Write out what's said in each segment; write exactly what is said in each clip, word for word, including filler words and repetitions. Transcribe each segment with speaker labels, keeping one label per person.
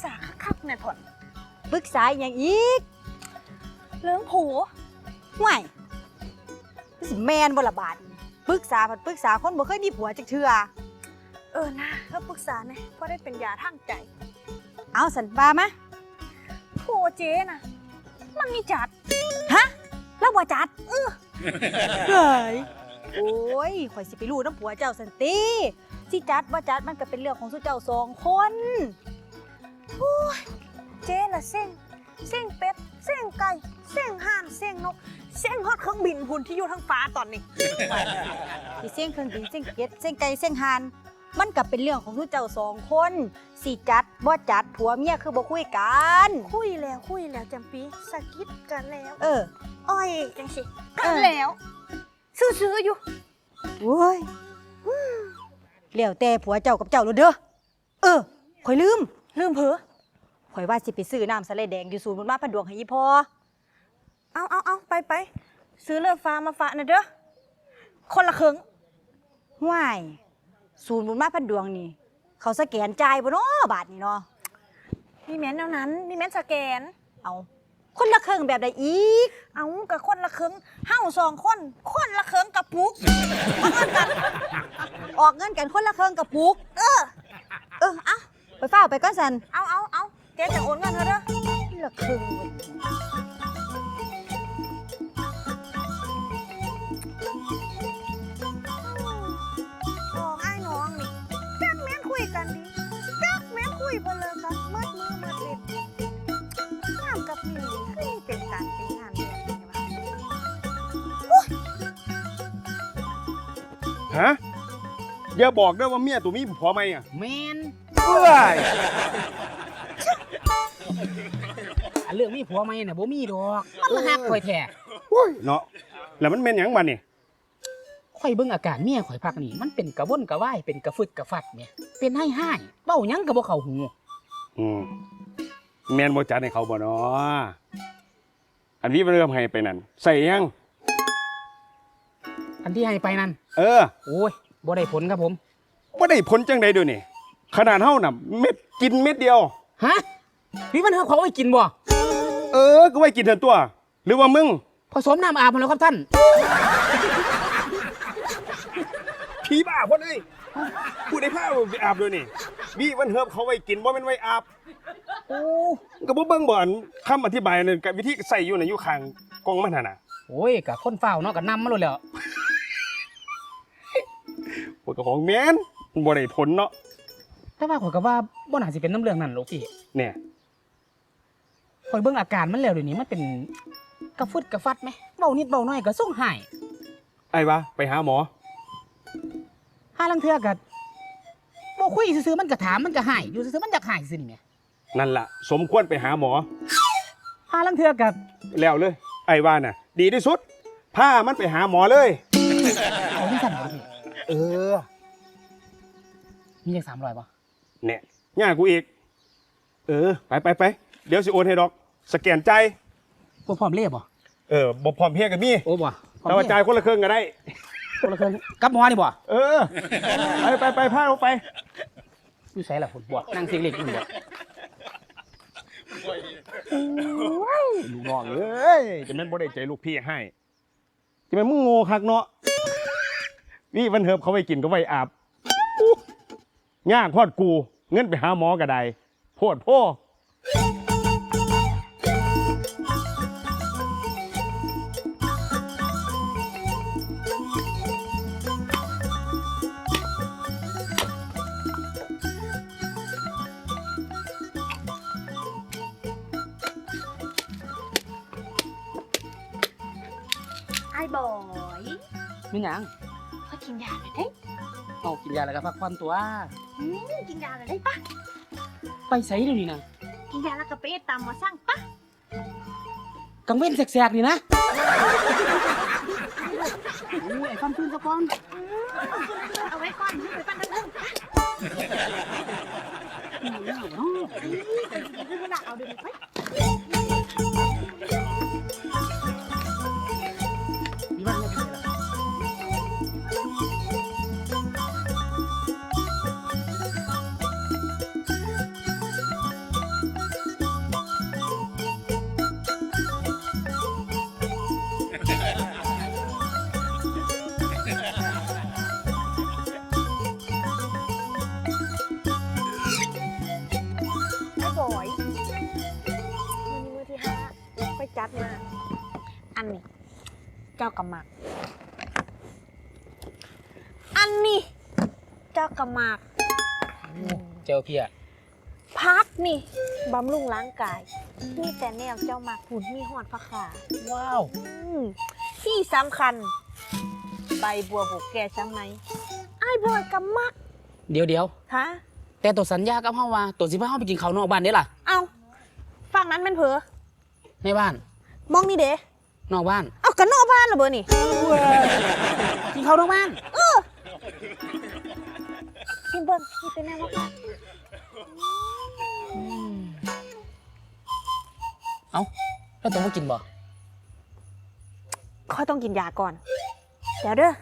Speaker 1: าคักๆเนี่ยถอน
Speaker 2: ปรึกษาอย่างอีก
Speaker 1: เรื่องผัว
Speaker 2: ห่วยสิแมนบ่ละบาดปรึกษาผัดปรึกษาคนบ่เคยมีผัวจักเทื่อ
Speaker 1: เออนะเธอปรึกษาเนี่ยเพราะได้เป็นยาทางใจ
Speaker 2: เอาสันบามา
Speaker 1: ผัวเจ๊น่ะมันมีจัด
Speaker 2: ฮะแล้วบ่จัดเออเฮ้ยโอ้ยข่อยสิไปรู้น้ำผัวเจ้าสันติสิจัดบ่จัดมันก็เป็นเรื่องของสุเจ้าสองคน
Speaker 1: โอ้ยเจ๊น่ะเส้งเส้งเป็ดเส้งไก่เส้งห่านเส้งนกเส้งฮอดเครื่องบินพุ่นที่อยู่ทั้งฟ้าตอนนี้
Speaker 2: ที่เส้งเครื่องบินเส้งเป็ดเส้งไก่เส้งห่านมันก็เป็นเรื่องของสุเจ้าสองคนสิจัดบ่จัดผัวเมียคือบ่คุยกัน
Speaker 1: คุยแล้วคุยแล้วจำปีสะกิดกันแล้ว
Speaker 2: เออ
Speaker 1: อ้อยจังสิกันแล้วซื้อๆอยู่
Speaker 2: โอ้ยแล้วแต่ผัวเจ้ากับเจ้าโลดเด้อเออข่อยลืม
Speaker 1: ลืมเผลอ
Speaker 2: ข่อยว่าสิไปซื้อน้ำสะเลแดงอยู่ศูนย์บุญมาพันดวงให้ยี่พ่อ
Speaker 1: เอาเอาเอาไปไปซื้อเลือดฟ้ามาฝากหน่อยเด้อคนละครึ่ง
Speaker 2: ห่วยศูนย์บุญมาพันดวงนี่เขาสแกนจ่ายบ่เนาะบาทนี่เนาะ
Speaker 1: นี่แม่นแนวนั้นนี่แม่นสแกน
Speaker 2: เอาคนละครึ่งแบบใดอีก
Speaker 1: เอากับคนละครึ่งเฮาสองคนคนละครึ่งกับปุก
Speaker 2: ออกเงินกันคนละครึ่งกับปุกเออเออเอาไปเฝ้าไปก้อนสัน
Speaker 1: เอาเอาเอาเจ๊จะโอนเงินเธอเด้อ
Speaker 2: ละครึ่ง
Speaker 1: น้องไอ้น้องนี่จักแม่นคุยกันดีจักแม่นคุยบ่เลิกกันมัดมือมัดเล็บงามกับนี่คือมีเป็นการเป็นงานแบบนี้วะ
Speaker 3: ฮะอย่าบอกด้วยว่าเมียตัวมีผัวไหมอ่ะ
Speaker 4: แมน
Speaker 3: เฮ้ย
Speaker 4: เรื่องมีผัวไหมเนี่ยบ่มีดอกมันมาหักข่อยแท้
Speaker 3: เนาะแล้วมันเป็นหยังบัดนี่
Speaker 4: ข่อยเบิ่งอาการเมียข่อยพักนี่มันเป็นกระวนกระวายเป็นกระฟึดกระฟัดเนี่ยเป็นให้ให้เบ้าหยังก็บ่เข้าหู
Speaker 3: อืมแม่นบ่จัดให้เขาบ่เนาะอันนี้เริ่มให้ไปนั่นใส่ยัง
Speaker 4: อันที่ให้ไปนั่น
Speaker 3: เออ
Speaker 4: โอ้ยบ่ได้ผลครับผม
Speaker 3: บ่ได้ผลจังใดด้วยนี่ขนาดเฮาน่ะเม็ดกินเม็ดเดียว
Speaker 4: ฮะพี่มันเฮาเขาไว้กินบ่
Speaker 3: เออก็ไว้กินเถอะตัวหรือว่ามึง
Speaker 4: ผสมน้ำอาบมาแล้วครับท่าน
Speaker 3: ผีบ้าคนเอ้ยพูดได้ผ้าไปอาบด้วยนี่มีวันเฮิบเขาไว้กินบ่แม่นไว้อาบโอ้ก็บ่เบิ่งบ่อันคำอธิบายนั่นกับวิธีใส่อยู่น่ะอยู่ข้างกล่องมันน่ะ
Speaker 4: โอ้ยก็คนเฝ้าเนาะก็นำมาโลดแล้ว
Speaker 3: โอ้ก็ของแม่นบ่ได้ผลเนาะ
Speaker 4: แต่ว่าข่อยก็ว่าบ่น่าสิเป็นน้ำเรื่องนั้นหรอกพี่
Speaker 3: เนี่ย
Speaker 4: ข่อยเบิ่งอาการมันแล้วเดี๋ยวนี้มันเป็นกระฟึดกระฟัดมั้ยเว้านิดเว้าน้อยก็ส่งหาย
Speaker 3: ไอ้วะไปหาหมอ
Speaker 4: หาลังเทื่อก็บ่คุยซื่อๆมันก็ถามมันก็หายอยู่ซื่อๆมันอยากหายซื่อนี่แหม
Speaker 3: นั่นล่ะสมควรไปหาหมอ
Speaker 4: หาลังเทื่อก็
Speaker 3: แล้วเลยไอ้ว่าน่ะดีที่สุดพามันไปหาหมอเลย
Speaker 4: เอาจังซั่นบ่พี่
Speaker 3: เออ
Speaker 4: มีจักสามร้อยบ่
Speaker 3: เนี่ยย่ากูอีกเออไปไปไปเดี๋ยวสิโอนให้ดอกสแกนใจ
Speaker 4: บ่พร้อมเรียบบ่
Speaker 3: เออบ่พร้อมเพรียงกันมี
Speaker 4: โอ้บ่
Speaker 3: แต่ว่าจ่ายคนละครึ่งก็ได้
Speaker 4: คนละครึ่งกับหมอนี่บ่
Speaker 3: เออไปไปไปพาลงไป
Speaker 4: อยู่ไสล่ะพุ่นบ่นั่งเสียงเล็กอยู่บ่
Speaker 3: ลูกน้องเอ้ยจะแม่นบ่ได้ใจลูกพี่ให้จะแม่นมึงโง่คักเนาะนี่วันเฮิบเขาไว้กินก็ไว้อาบย่างพอดกูเงินไปหาหมอก็ได้โพดพ่อ
Speaker 1: ไอ้บอย
Speaker 4: มีหยัง
Speaker 1: เขากินยาหน่อยได้
Speaker 4: เอากินยาแล้วก็พักผ่อนตัว
Speaker 1: อืมกินยาหน่อยได้ปะ
Speaker 4: ไปไสเดี๋ยวนี้นะ
Speaker 1: กินยาแล้วก็ไปตามมาสร้างปะ
Speaker 4: กังเว้นแสกๆนี่นะโอ้ยไอ้ความตื่นซะก่อน
Speaker 1: เอาไว้ก่อนไปปั้นทั้งนึงเอาเดี๋ยวไป
Speaker 4: มีบ้านยังไงล่ะ
Speaker 1: อยมือนี้มือที่ห้าไปจัดมาอันนี้เจ้ากำมักอันนี้เจ้ากำมัก
Speaker 4: เจ้าเพีย
Speaker 1: พักนี่บำรุงร่างกายมีแต่แนวเจ้ามักหุ่นมีหอดผักขา
Speaker 4: ว้าว
Speaker 1: อืมที่สำคัญใบบัวบกแก่ช่างไหมไอ้ายบอยกำมัก
Speaker 4: เดี๋ยวเดี๋ยว
Speaker 1: ฮะ
Speaker 4: แต่ตัวสัญญากับเฮาว่าตัวสิพาเฮาไปกินข้าวนอกบ้านเด้ล่ะ
Speaker 1: เอาฝั่งนั้นเป็นเผลอ
Speaker 4: ในบ้าน
Speaker 1: มองนี่เด้
Speaker 4: นอกบ้าน
Speaker 1: เอากันนอกบ้านเหรอเบอร์นี่
Speaker 4: กินข้าวนอกบ้าน
Speaker 1: กินเบิ้งนี่เป็นแนวว่าบ้าน
Speaker 4: เอ้าแล้วตัวบ่กินบ่
Speaker 1: ค่อยต้องกินยาก่อน เดี๋ยวเด้อ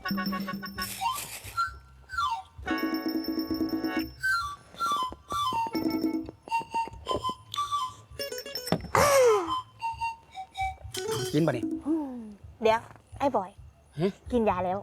Speaker 4: กินบ่นี่
Speaker 1: อืมเดี๋ยว ไอ้บอย
Speaker 4: ฮะ
Speaker 1: กินยาแล้ว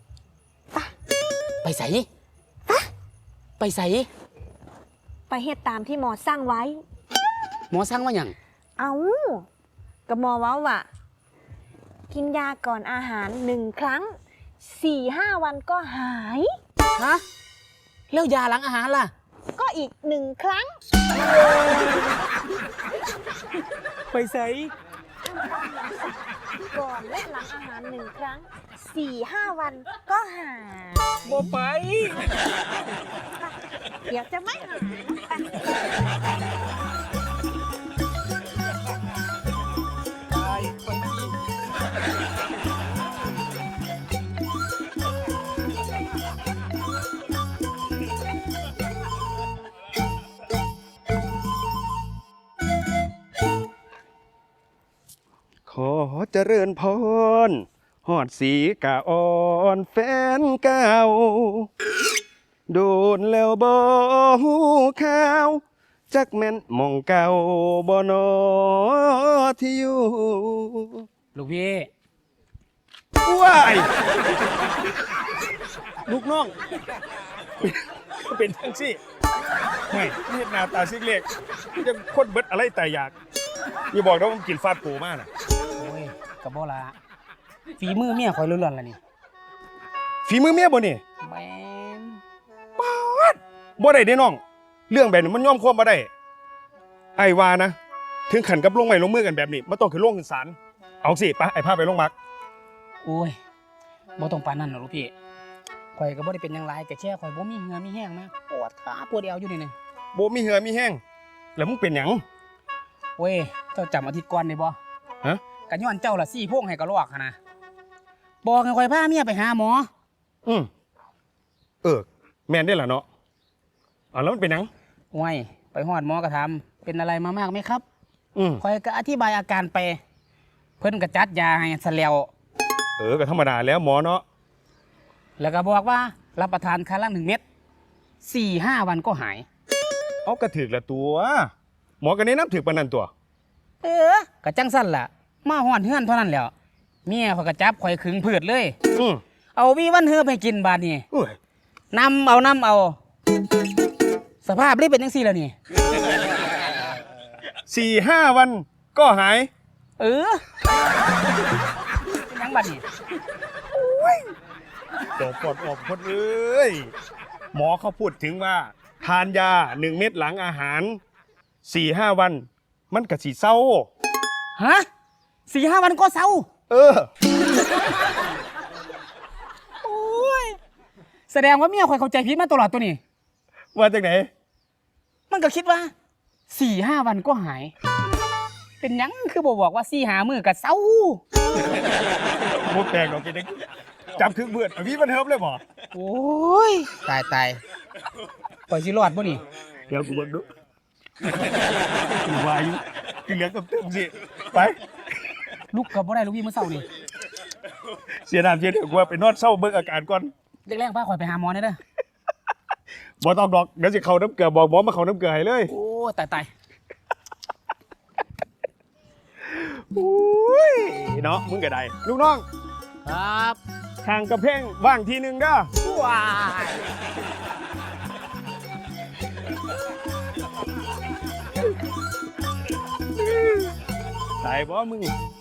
Speaker 4: ไปใส่ไปใส่
Speaker 1: ไปเฮ็ดตามที่หมอสั่งไว้
Speaker 4: หมอสั่งว่าหยัง
Speaker 1: เอากับหมอเว้าว่า กินยาก่อนอาหารหนึ่งครั้งสี่ห้าวันก็หาย
Speaker 4: ฮะแล้วยาหลังอาหารล่ะ
Speaker 1: ก็อีกหนึ่งครั้ง
Speaker 4: ไปใส่
Speaker 1: ก่อนและหลังอาหารหนึ่งครั้งสี่ห้าวันก็หาย
Speaker 4: บ่ไป
Speaker 1: เดี๋ยวจะไม่หายไป
Speaker 3: ขอเจริญพรหอดสีกะอ่อนแฟนเก่าโดนแล้วบ่ฮู้ข่าวจักแม่นหมองเก่าบ่นอที่อยู่
Speaker 4: ลูกพี่
Speaker 3: ว้ายลูกน้อง เป็นทั้งสิไม่เฮ็ดหน้าตาซิกเล็กยังคนเบิดอะไรแต่อยากอย่าบอกนะว่าผมกินฟาดปูมากน่ะ
Speaker 4: โอ้ยกับบ่ละฝีมือเมียข่อยล้วนๆล่ะนี่
Speaker 3: ฝีมือเมียบ่นี่
Speaker 4: แม่น
Speaker 3: บ่ได้เด้น้อง เรื่องแบบนี้มันยอมความบ่ได้ไอ้ว่านะ ถึงขันกับลงไม้ลงมือกันแบบนี้มันต้องขึ้นโรงขึ้นศาลเอาสิไปไอ้พาไปโรงพัก
Speaker 4: โอ้ยบ่ต้องปานนั้นหรอกลูกพี่ข่อยก็บ่ได้เป็นหยังหลายแต่แค่ข่อยบ่มีเหงื่อมีแห้งมาปวดขาปวดเอวอยู่นี่นึง
Speaker 3: บ่มีเหือมีแห้งแล้วมึงเป็นหยัง
Speaker 4: เว้ยเจ้าจำอาทิตย์ก่อนได้บ่
Speaker 3: ฮะ
Speaker 4: ก็ย้อนเจ้าล่ะซี่โพงให้กระลอกหั่นนะบอกให้ข่อยพาเมียไปหาหมอ
Speaker 3: อืมเออ แม่นได้ล่ะเนาะอ่ะแล้วมันเป็นหยัง
Speaker 4: โอ้ยไปฮอดหมอก็ถามเป็นอะไรมามากไหมครับ
Speaker 3: อืม
Speaker 4: ข่อยก็อธิบายอาการไป เพิ่นก็จัดยาให้ซะแล้ว
Speaker 3: เออก็ธรรมดาแล้วหมอเนาะ
Speaker 4: แล้วก็บอกว่ารับประทานครั้งละหนึ่งเม็ดสี่ห้าวันก็หาย
Speaker 3: เอากระถึกละตัว หมอก็แนะนำถึกปานนั้นตัว
Speaker 4: เออกะจังสั้นล่ะ มาฮอดเฮือนเท่านั้นแหล้วเมียเขาก็จับข่อยขึงพืชเลย
Speaker 3: อืม
Speaker 4: เอาวีวันเฮือบให้กินบาดนี้
Speaker 3: เอ้ย
Speaker 4: นำเอานำเอา สภาพรีเป็นจังซี่แล้วนี่
Speaker 3: สี่ห้าวันก็หาย
Speaker 4: เออเป็นหยังบัดนี้
Speaker 3: ตกปอดออกคนเอ้ย หมอเขาพูดถึงว่า ทานยาหนึ่งเม็ดหลังอาหารสี่ห้าวัน มันกะสีเศร้า
Speaker 4: ฮะสี่ห้าวันก็เศร้า
Speaker 3: เออ
Speaker 4: โอ้ยแสดงว่าเมียข่อยเข้าใจผิดมาตลอดตัวนี้
Speaker 3: ว่าจากไหน
Speaker 4: มันก็คิดว่าสี่ห้าวันก็หาย เป็นหยังคือบอกบอกว่าสี่หามือกับเศร้า
Speaker 3: โมแปลงเรากินได้จับครึ่งเบือดพี่มันเฮิบเลยบ่
Speaker 4: โอ้ยตายตายปล่อยสิรอดบ่นี่
Speaker 3: เดี๋ยวกูเบิ่งดูกูวาอยุกินเหลือกับเต็มสิไป
Speaker 4: ลุกกับบ่ได้ลูกพี่มื้อเช้านี่
Speaker 3: เสียน้ำเสียเดี๋ยวกูว่าไปนอนเศร้าเบิ่งอาการก่อน
Speaker 4: แรกๆพาข่อยไปหาหมอได้เด้อ
Speaker 3: บ่ต้องดอกเดี๋ยวสิเข้าน้ำเกลือบอกหมอมาเข้าน้ำเกลือให้เลย
Speaker 4: โอ้ตายตาย
Speaker 3: โอ้ยเนาะมึงก็ได้ลูกน้อง
Speaker 4: ครับ
Speaker 3: ทางกระเพ่งว่างทีหนึงเด้อ
Speaker 4: ว้าย
Speaker 3: เตายบ่มึง